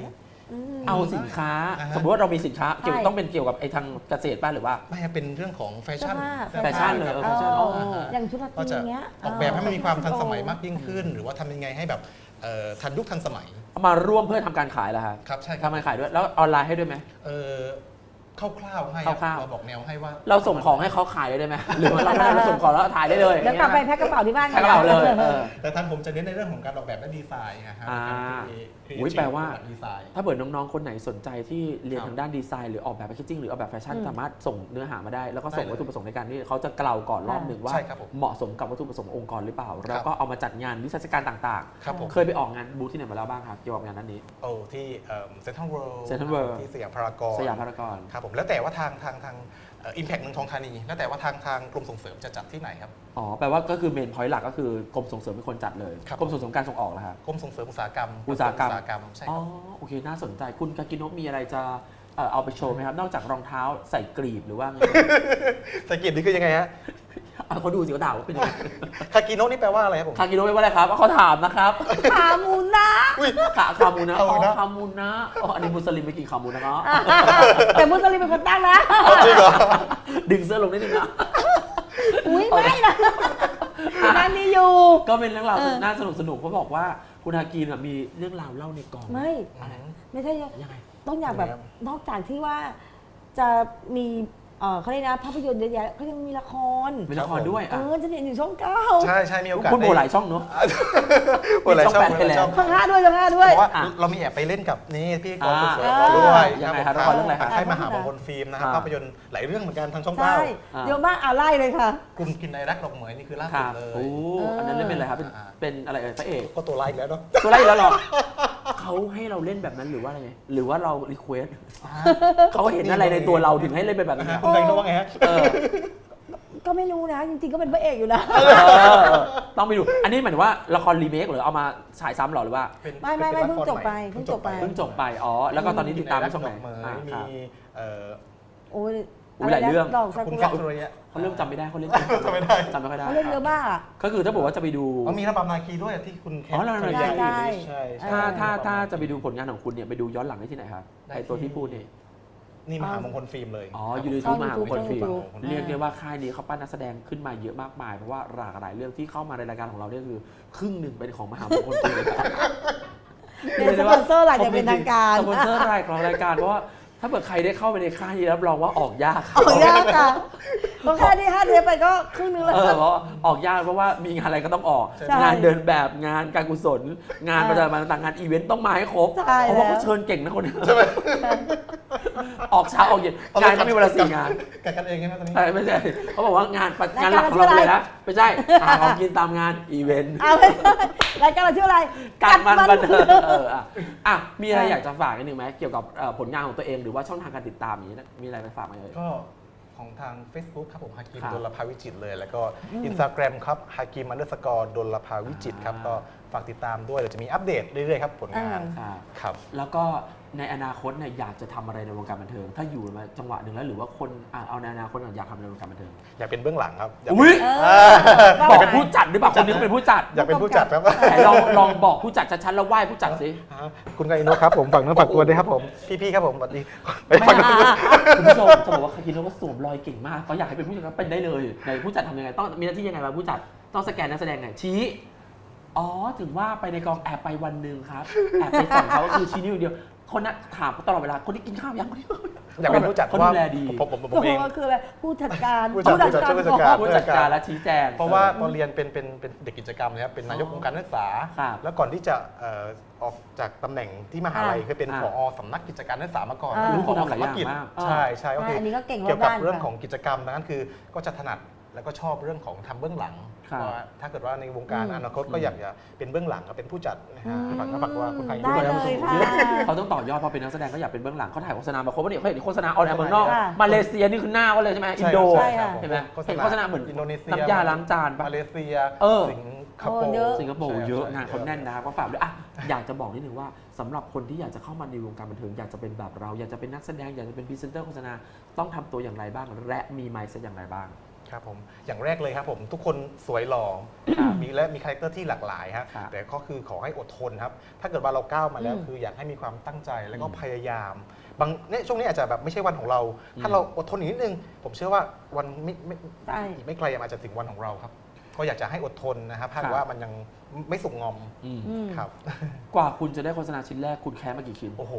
S1: เอาสินค้า
S4: อ่าฮะ
S1: สมมติว่าเรามีสินค้าเกี่ยว
S2: ใช่
S1: ต้องเป็นเกี่ยวกับไอ้ทางเกษตรป่ะหรือว่า
S4: ไม่ครับเป็นเรื่องของแฟชั่น
S1: แฟชั่นเลย
S4: ครับ
S1: แฟชั่นอ๋อ
S2: อย่างชุดราต
S4: ก็
S2: รี
S4: จะ
S2: เงี้ย
S4: ออกแบบให้มันมีความทันสมัยมากยิ่งขึ้น หรือว่าทำยังไงให้แบบทันยุคทันสมัย
S1: เอามาร่วมเพื่อทำการขายแล้วครับ
S4: ครับใช่ค
S1: ทำ
S4: รับ
S1: การขายด้วยแล้วออนไลน์ให้ด้วยไหม
S4: คร่าวๆให้
S1: คร่าวๆ
S4: เราบอกแนวให้ว่า
S1: เราส่งของให้เขาขายได้ไหมหรือว่าเราไม่ได้ส่งของแล้วถ่ายได้เลย
S2: เดี๋ยวกลับไปแพ็คกระเป๋าที่บ้าน
S1: แพ็คกระเป๋าเลย
S4: แต่ทางผมจะเน้นในเรื่องของการออกแบบและดีไซน์นะฮะ
S1: อ่า
S4: การ
S1: อุ๊ยแปลว่า
S4: ดีไซน์
S1: ถ้าเกิดน้องๆ คนไหนสนใจที่เรียน
S4: ครับ
S1: ทางด้านดีไซน์หรือออกแบบแพคเกจิ้งหรือออกแบบแฟชั่น
S2: อืม
S1: สามารถส่งเนื้อหามาได้ แล้วก็ส่ง
S4: ได้เลย
S1: วัตถุประสงค์ในการที่เขาจะเกลาก่อนรอบหนึ่งว่า
S4: ใช่ครับผม
S1: เหมาะสมกับวัตถุประสงค์ขององค์กรหรือเปล่า แล้วก็เอามาจัดงานนิทรรศการต่าง
S4: ครับผม
S1: ๆ เคยไปออกงานบูธที่ไหนมาแล้วบ้างครับเกี่ยวกับงานนั้นนี้
S4: โอ้ที่เซ็นทรัลเวิลด์
S1: Central World
S4: ที่สยามพารากอน
S1: สยามพารากอน
S4: ครับผมแล้วแต่ว่าทางอิมแพคเมืองทองธานีแล้วแต่ว่าทางกรมส่งเสริมจะจัดที่ไหนครับ
S1: อ๋อแปลว่าก็คือเมนพอยต์หลักก็คือกรมส่งเสริมเป็นคนจัดเลย
S4: ครับ
S1: กรมส่งเสริมการส่งออกแล้วครับ
S4: กรมส่งเสริมอุตสาหกรรม
S1: อุตสาหกรรม
S4: ใช่
S1: อ๋
S4: ค
S1: อ
S4: รับ
S1: โอเคน่าสนใจคุณกากิโนะมีอะไรจะเอาไปโชว์ไหมครับนอกจากรองเท้าใส่กรีบหรือว่าไง
S4: สกิปนี่คือยังไงฮะ
S1: เขาดูสิเขาด่าว่าเป็นยังไง
S4: คากิโนะนี่แปลว่าอะไรครับผม
S1: คากิโนะไม่ว่าอะไรครับเขาถามนะครับ
S2: ขาหมูนะ
S1: คามูนะ
S4: คามูนะ
S1: คามูนะอ๋ออันนี้มุสลิมไม่กินคามูนะเนาะ
S2: แต่มุสลิมเป็นคนตั้งนะ
S4: จริงเหรอ
S1: ดึงเสื้อลงนิดนึงนะ
S2: อุ้ยไม่นะนั่นนี่อยู่
S1: ก็เป็นเรื่องราว
S2: เออ
S1: น่าสนุกเขาบอกว่าคุณฮากีนมีเรื่องราวเล่าในกอง
S2: ไม่
S1: อะไร
S2: ไม่ใช่
S1: ยังไง
S2: ต้องอยากแบบนอกจากที่ว่าจะมีเขาเรียกนะภาพยนตร์เยอะแยะเขายังมีละคร
S1: มีละครด้วยอ่ะ
S2: จะเห็นอยู่ช่องเก้า
S4: ใช่มีโอกาส
S1: คุณโบหลายช่องเนาะ
S4: โบหลายช่อง
S1: มีช่องแปดไปแล้ว
S2: ช่องห้าด้วยช่องห้าด้วย
S4: เพราะว่า
S1: อ่ะ
S4: เรามีแอบไปเล่นกับนี่พี่กรมส่งเสริม
S2: อ่า
S4: เราด้วย
S1: ยังไง
S4: ค
S1: ครั
S4: รั
S1: บบ ละครเรื่องอะไรครับ
S4: ทางค่ายมหามงคลฟิล์มนะครับ
S1: อ่า
S4: ภาพยนตร์หลายเรื่องเหมือนกันทางช่อง
S2: ใช่
S4: เก้า
S1: อ่า
S2: เยอะมากไล่เลยค่ะ
S4: กลุ่มกินในรักดอกเหมยนี่คือล่า
S1: ค
S4: สุด
S1: รับ
S4: เล
S1: โอ้
S4: ย
S1: อันนั้นเล่นเป็นอะไรครับ
S4: อ่า
S1: เป็นอะไรพระเอก
S4: ก็ตัวไลค์แล้วเนาะ
S1: ตัวไรกแล้วเหรอเขาให้เราเล่นแบบนั้นหรือว่าอะไรไงหรือว่าเรารีเควสเขาเห็นอะไรในตัวเราถึงให้เล่นเป็นแบบนั้น
S4: คุณไก่รู้ว่าไงฮะ
S1: เออ
S2: ก็ไม่รู้นะ จริงๆก็เป็นพระเอกอยู่นะ
S1: ต้องไปดู อันนี้หมายถึงว่าละครรีเมคหรือเอามาฉายซ้ำหรอหรือว่า
S2: ไม่
S4: ป็น
S2: เพิ่ง
S4: ละคร
S2: จบไป
S4: ใหม่
S2: เพิ่งจบไป
S1: เพิ่งจบไป อ๋อ แล้วก็ตอนนี้ติดตามที่ช่องไหน
S4: กินในรักดอกเหม
S1: อ่าย
S4: มี
S1: ครับ
S2: โอ้ย
S1: อุ๊ยหลายเรื่อง
S2: ดอกซา
S4: คุณ
S2: กุ
S4: แค
S2: ระ
S4: ทเรีย
S1: เขาเริ่มจำไม่ได้เขาเล่น
S4: จำไม่ได้
S1: จำไม่ค่อยได้
S2: เขาเล่นเยอะมากอะ
S1: ก็คือถ้าบอกว่าจะไปดู
S4: เขามีระบำนาคีด้วยที่คุณแคท
S1: อ๋อระบำนาคี
S4: ใช่ใช่
S1: ถ้าจะไปดูผลงานของคุณเนี่ยไปดูย้อนหลังได้ที่ไหนครับไอตัวที่พูดนี่
S4: นี่มหามงคลฟิล์มเลย
S1: อ๋ออยู่ในทูมหาวิทยาลัยฟิล์ม
S2: YouTube
S1: เรียกได้ว่าค่ายนี้เขาปั้นนักแสดงขึ้นมาเยอะมากมายเพราะว่าหลากหลายเรื่องที่เข้ามาในรายการของเราเนี่ยคือครึ่งหนึ่งเป็นของมหามงคลฟิล์ม
S2: เป็นสปอนเซอร์หลักอย่างเป็นทางการ
S1: สปอนเซอร์รายของรายการเพราะว่าถ้าเกิดใครได้เข้าไปในค่ายนี้รับรองว่าออกยาก
S2: ออกยากค่ะเพราะแค่นี้5 เทปไปก็ครึ่งนึงแล้ว
S1: เพราะออกยากเพราะว่ามีงานอะไรก็ต้องออก
S2: ใช่
S1: งานเดินแบบงานการกุศล งานประจำวันต่างๆงานอีเวนต์ต้องมาให้ครบ
S2: ใช่
S1: เพราะว่า
S2: แล้ว
S1: เขาเชิญเก่งนะคนนี้ออกเช้าออกเย็นงานก็มีเวลา4 งาน
S4: กัดกันเองใช่ไหมตอนนี้
S1: ไม่ใช่เขาบอกว่างานหลักของเราเลยนะไม่ใช่หาของกินตามงานอีเวนต์
S2: เอาไม่ได้รายการเราชื่ออะไร
S1: การมันบันเทิงมีอะไรอยากจะฝากนิดนึงไหมเกี่ยวกับผลงานของตัวเองหรือว่าช่องทางการติดตามนี้มีอะไรไปฝากไหมเอ่ย
S4: ก็ของทาง Facebook ครับผมฮากิม
S1: ครับ
S4: ดลภาวิจิตรเลย แล้วก็ Instagram ครับฮากิม_ดลภาวิจิตรครับก็ฝากติดตามด้วยเดี๋ยวจะมีอัปเดตเรื่อยๆครับผลงาน ครับ
S1: แล้วก็ในอนาคตเนี่ยอยากจะทำอะไรในวงการบันเทิง ถ้าอยู่มาจังหวะหนึ่งแล้วหรือว่าคนเอาในอนาคตอยากทำในวงการบันเทิง
S4: อยากเป็นเบื้องหลังครับอยาก
S1: อุ้ย
S2: บบ อ
S1: อก กผู้จัดหรือเปล่าคนนี้เขาเป็นผู้จัด
S4: อยากเป็นผู้จัดครับ
S1: ไหนลองบอกผู้จัดชัดๆแล้วไหว้ผู้จัดสิ
S4: คุณไกอินโนะครับผมฝั่งนู้นฝากตัวด้วยครับผมพี่ๆครับผมสวัสดีไป
S1: ไม่
S4: ฝั่งนู้น
S1: คุณผู้ชมจะบอกว่าคาคิโนะก็สวมรอยเก่งมากเขาอยากให้เป็นผู้จัดก็เป็นได้เลยในผู้จัดทำยังไงต้องมีหน้าที่ยังไงบ้างผู้จัดต้องสแกนนักแสดงไงชี้อ๋อถึงว่าไปในกองแอบไปวันหนึ่งครับแอบไปส่องเขาก็คือชี้นิ้วเดียวคนนั้นถามเขาตลอดเวลาคนที่กินข้าวยังคนที่
S4: อยากเป็นผู้จัด
S1: เขา
S4: ว่า
S1: ดูแลดี
S4: ผมเอง
S2: คืออะไรผู้จัดการ
S4: ผู้จัดการ
S1: ผู้จัดการและชี้แจง
S4: เพราะว่าตอนเรียนเป็นเด็กกิจกรรมนะครับเป็นนายกองค์การนักศึกษา
S1: ครับ
S4: แล้วก่อนที่จะออกจากตำแหน่งที่มหาลัย
S2: อ่า
S4: เคยเป็น
S1: อ่า
S4: ผอสำนักกิจการนักศึกษามาก่อน
S2: อ่า
S4: คือผอ
S1: ทำหลายอย่าง
S4: กิจ
S1: มาก
S4: ใช่ใช่ก็คือ
S2: อันนี้ก็เก่งรอบ
S4: เกี่ยวกับ
S2: ด้าน
S4: เรื่อง
S2: ค่ะ
S4: ของกิจกรรมนั้นคือก็จะถนัดแล้วก็ชอบเรื่องของทำเบื้องหลัง
S1: ครับ
S4: ว่าถ้าเกิดว่าในวงการอนาคตก็อยากจะเป็นเบื้องหลังก็เป็นผู้จัดนะฮะฝากว่าคุณไทย
S2: ได้เลยค่ะ
S1: เขาต้องต่อยอดพอเป็นนักแสดงก็อยากเป็นเบื้องหลังเขาถ่ายโฆษณามาครบว่าเนี่ยเขาเห็นโฆษณาออนแอร์เมืองนอก
S2: ค่ะ
S1: มาเลเซียนี่คือหน้าเขาเลยใช่ไหมอินโด
S2: ใช่ค่ะ
S1: เห็นไหมเห็นโฆษณาเหมือน
S4: อินโดนีเซีย
S1: น้ำยาล้างจานปะ
S4: มาเลเซีย
S1: เออ
S4: สิงคโปร์
S2: เยอะ
S1: สิงคโปร์เยอะ
S4: ใช่
S1: งานเขาแน่นนะครับก็ฝากด้วยอยากจะบอกนิดนึงว่าสำหรับคนที่อยากจะเข้ามาในวงการบันเทิงอยากจะเป็นแบบเราอยากจะเป็นนักแสดงอยากจะเป็นพรีเซนเตอร์โฆษณาต้องทำตัวอย่างไรบ้างและมีไมซ์อย่างไรบ้าง
S4: ครับผมอย่างแรกเลยครับผมทุกคนสวยหล่อมีคาแรคเตอร์ที่หลากหลายฮะ
S1: ครับ
S4: แต่ก็คือขอให้อดทนครับถ้าเกิดว่าเราก้าวมาแล้ว
S2: อืม
S4: คืออยากให้มีความตั้งใจแล้วก็พยายามบางเนี่ยช่วงนี้อาจจะแบบไม่ใช่วันของเรา ถ้าเราอดทนอีกนิดนึงผมเชื่อว่าวัน
S2: ใช่
S4: อีกไม่ไกลอาจจะถึงวันของเราครับก็อยากจะให้อดทนนะครับถ้า
S1: ครับ
S4: ว่ามันยังไม่สุกงอม
S1: อืม
S2: อืม
S4: ครับ
S1: กว่าคุณจะได้โฆษณาชิ้นแรกคุณแคสมากี่ชิ้น
S4: โอ้โห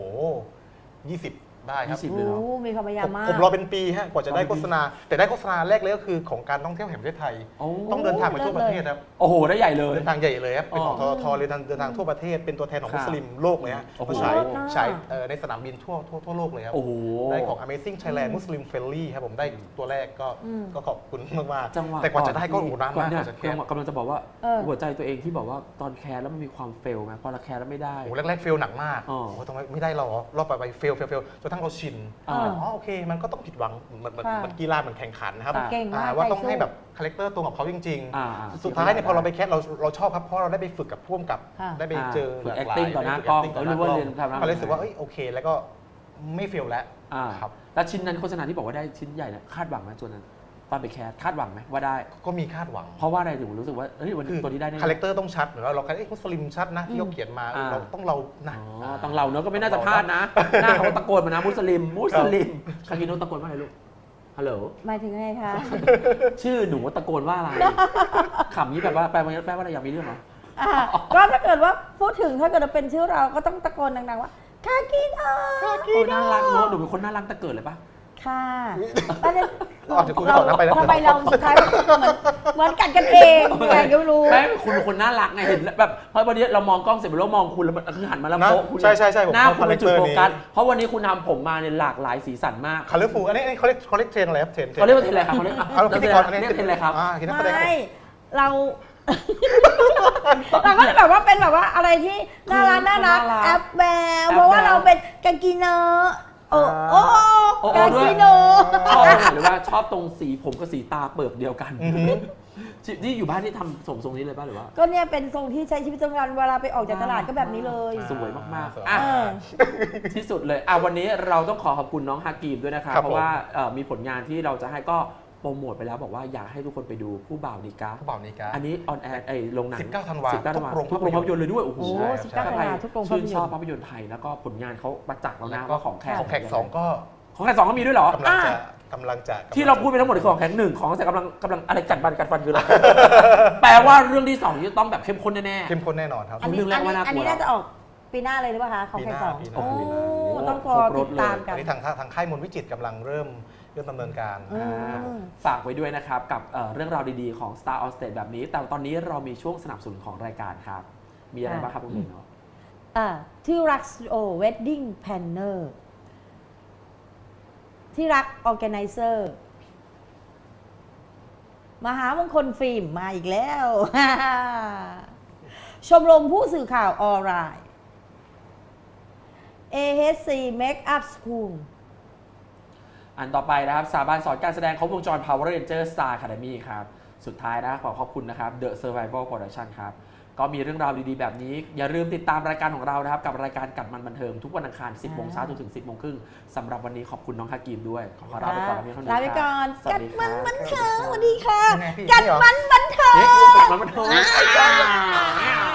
S4: 20 ได้ครับ
S1: 20 เลยเนอะ
S2: โอ้มีความพยายามมาก
S4: ผมรอเป็นปีฮะกว่าจะได้โฆษณา แต่ได้โฆษณาแรกเลยก็คือของการท่องเที่ยวแห่งประเทศไทย
S1: โอ้
S4: ต้องเดินทางไปทั่วประเทศครับ
S1: โอ้โห ได้ใหญ่เลย
S4: เดินทางใหญ่เลยครับเป็นของ
S1: อ๋
S4: ท
S1: อ
S4: ทเลยเดินทางทั่วประเทศเป็นตัวแทนของ
S1: ครับ
S4: มุสลิมโลกเลยฮะ
S1: โอ้โห
S4: เขาฉาย
S2: น่า
S4: ในสนามบินทั่วโลกเลยครับ
S1: โอ้โห
S4: ได้ของ Amazing Thailand Muslim Friendly ครับผมได้ตัวแรกก็ขอบคุณมาก
S1: จังหวะ
S4: ๆแต่กว่าจะได้ก็โอ้โหนานมาก
S1: เนี่
S4: ก
S1: ย
S4: ว่าจะแคส
S1: กำลังจะบอกว่า
S2: เออ
S1: หัวใจตัวเองที่บอกว่าตอนแคสแล้วมันมีความเฟลไหมพอเราแคสแล้วไม่ได้
S4: โอ้โหแรกๆเฟลหนักมาก
S1: อ๋อ
S4: โอ้โหทำไมไม่ได้หรอรอบไปเฟลจนกระทั่งเราชิน
S1: อ่า
S4: อ๋อโอเค มันก็ต้องผิดหวังเหมือน
S2: ค่ะ
S4: กีฬาเหมือนแข่งขันนะครับ
S2: เก่งมาก
S4: ว่า
S2: ใจ
S4: ต้อง
S2: สู้
S4: ให้แบบคาแรคเตอร์ตรงกับเขาจริง
S1: อ่า
S4: ๆ สุดท้ายเนี่ยพอเราไปแคสเราชอบครับเพราะเราได้ไปฝึกกับพ่วงกับ
S2: ค่ะ
S4: ได้ไปเจอ
S1: ฝึก
S4: หลากหลาย
S1: acting ต่อหน้า
S4: ได้ฝึ
S1: กล้อง
S4: acting
S1: แล้วรู้ว่าเรียนทำหน้า
S4: ก็เลยรู้สึกว่าเอ้ยโอเค แล้วก็ไม่เฟลแล้ว
S1: อ่า
S4: ครับ
S1: แล้วชิ้นนั้นโฆษณาที่บอกว่าได้ชิ้นใหญ่เนี่ยคาดหวังไหมตัวนั้นตอนไปแคสคาดหวังไหมว่าได้
S4: ก็มีคาดหวัง
S1: เพราะว่าอะไรถึงรู้สึกว่าเฮ้ยวัน
S4: คื
S1: นี้
S4: อ
S1: ตัวนี้ได้แน่
S4: คาแรคเตอร์ต้องชัดเหมือนว่าเรามุสลิมชัดนะที่เขาเขียนมา
S1: อ่า
S4: เราต้องเรานะ
S1: อ๋อต้องเราเนอะก็ไม่น่าจะพลาดนะ หน้าเขาตะโกนมานะมุสลิมคากิโนะตะโกนว่าอะไรลูกฮัลโหล
S2: หมายถึงไงคะ
S1: ชื่อหนูตะโกนว่าอะไรขำนี้แบบว่าแปลว่าอะไรอยากมีเรื่องเหรอ
S2: อ่ะก็ถ้าเกิดว่าพูดถึงถ้าเกิดว่าเป็นชื่อเราก็ต้องตะโกนดังๆว่าคากิโนะ
S1: โอ้น่ารักเนอะหนูเป็นคนน่ารักแต่เกิดเลยปะ
S2: ค่ะประเด็น
S4: อ๋อเดี๋ยวคุณต่อนะไปนะ
S2: ทำไมเราสุดท้ายเหมือนกัดกันเองไงก็ไม่รู้
S1: แม่คุณเป็นคนน่ารักไงเห็นแบบเพราะวันนี้เรามองกล้องเสร็จแล้วมองคุณแล้วมันคือหันมาแล้ว
S4: นะ
S1: โป๊ะคุณ
S4: ใช่ผม
S1: หน้า
S4: ชอบ
S1: คุณเป็นจุดโฟกัส
S4: คาแรคเตอร์นี้
S1: เพราะวันนี้คุณทำผมมาเนี่ยหลากหลายสีสันมาก
S4: คาเลฟูอันนี้เขาเรียกเทรนอะไรครับเทรน
S1: เขาเรียกว่าเทรนอะไรครับเขาเรียก
S4: เอาพิธีกรอันนี้
S1: เรียกเทรนอะไรครับ
S4: คือนักแสดงครับ
S2: ไม่เรา เราก็แบบว่าเป็นแบบว่าอะไรที่น่ารัก
S1: น่ารัก
S2: แอปแบ
S1: แอปแบ
S2: เพราะว่าเราเป็นกากิโนะโอ้โอ้
S1: โอ้
S2: กา
S1: ด้วย
S2: กิโนะ
S1: ชอบตรงไหนหรือว่าชอบตรงสีผมกับสีตาเปิบเดียวกัน
S4: อือหือ
S1: ที่อยู่บ้านที่ทำทรงนี้เลยป่ะหรือว่า
S2: ก็เนี่ยเป็นทรงที่ใช้ชีวิตประจำวันเวลาไปออกจากตลาดก็แบบนี้เลย
S1: สวยมาก
S4: สวย
S1: ๆอ่ะ
S2: เออ
S1: ที่สุดเลยวันนี้เราต้องขอบคุณน้องฮากีมด้วยนะครับ
S4: ครับ
S1: เพราะว่ามีผลงานที่เราจะให้ก็โปรโมทไปแล้วบอกว่าอยากให้ทุกคนไปดูผู้บ่าวดีกา
S4: ผู้บ่าวนิกา
S1: อันนี้ออนแอร์ลงหนัง
S4: 19ธันวา
S1: 19ธันวา
S4: ทุกโรง
S1: ทุกโรงภาพยนตร์เลยด้วยโอ้โห
S2: โอ้
S4: ใช่
S2: 19ธันวาทุกโรงภาพยนตร์
S1: ชื่นชอบภาพยนตร์ไทยแล้วก็ผลงานเขาประจักษ์แล้วนะ
S4: ก็
S1: ว่าของแขก
S4: ของแขกสองก็
S1: ของแขกสองก็มีด้วยเหรอก
S4: ำลังจะ
S1: ที่เราพูดไปทั้งหมดคือของแขกหนึ่งของแขกกำลังอะไรกัดฟันคืออะไร แปลว่าเรื่องที่สองจะต้องแบบเข้มข้นแน่
S4: เข้มข้นแน่นอนครับ
S1: อันนี้ เรื่องแรกว่าน่ากลัว
S2: อันนี้น่าจะออกปีหน้าเลยหรือเปล่าคะของใครสอง
S4: ปีหน้า
S2: โอ้
S4: ปีหน้า
S2: ต้องรอติดตามกั
S4: อั
S2: น
S4: นนี้ทางค่ายมนต์วิจิตรกำลังเริ่มดำเนินการ
S2: อืม
S1: ฝากไว้ด้วยนะครับ กับเรื่องราวดีๆของ Star on Stage แบบนี้ แต่ตอนนี้เรามีช่วงสนับสนุนของรายการครับ มีอะไรบ้างครับคุณเนาะ
S2: ที่รักโอเวดดิ้งแพนเนอร์ที่รักออแกไนเซอร์มหามงคลฟิล์มมาอีกแล้ว ชมรมผู้สื่อข่าวออนไลน์ AHC Makeup School
S1: อันต่อไปนะครับสถาบันสอนการแสดงครบวงจร Power Ranger Star Academy ครับ สุดท้ายนะขอขอบคุณนะครับ The Survival Production ครับ ก็มีเรื่องราวดีๆแบบนี้ อย่าลืมติดตามรายการของเรานะครับ กับรายการกัดมันบันเทิงทุกวันอังคาร 10 โมงเช้าจนถึง 10 โมงครึ่งสำหรับวันนี้ขอบคุณน้องฮากีมด้วย ขอลาไปก่อนแล้วพี่คนนี้
S2: ลาไปก่อน
S1: สวั
S2: กั
S1: ส
S2: ด
S1: ดีค
S2: มั
S1: รั
S2: น
S1: บ
S2: บันเทิงสวัสดีค่ะ
S4: ยังไงพี่
S2: กัด
S4: นี่เหรอ
S2: มันบันเทิง
S1: เอ๊ะกัดมันบันเทิง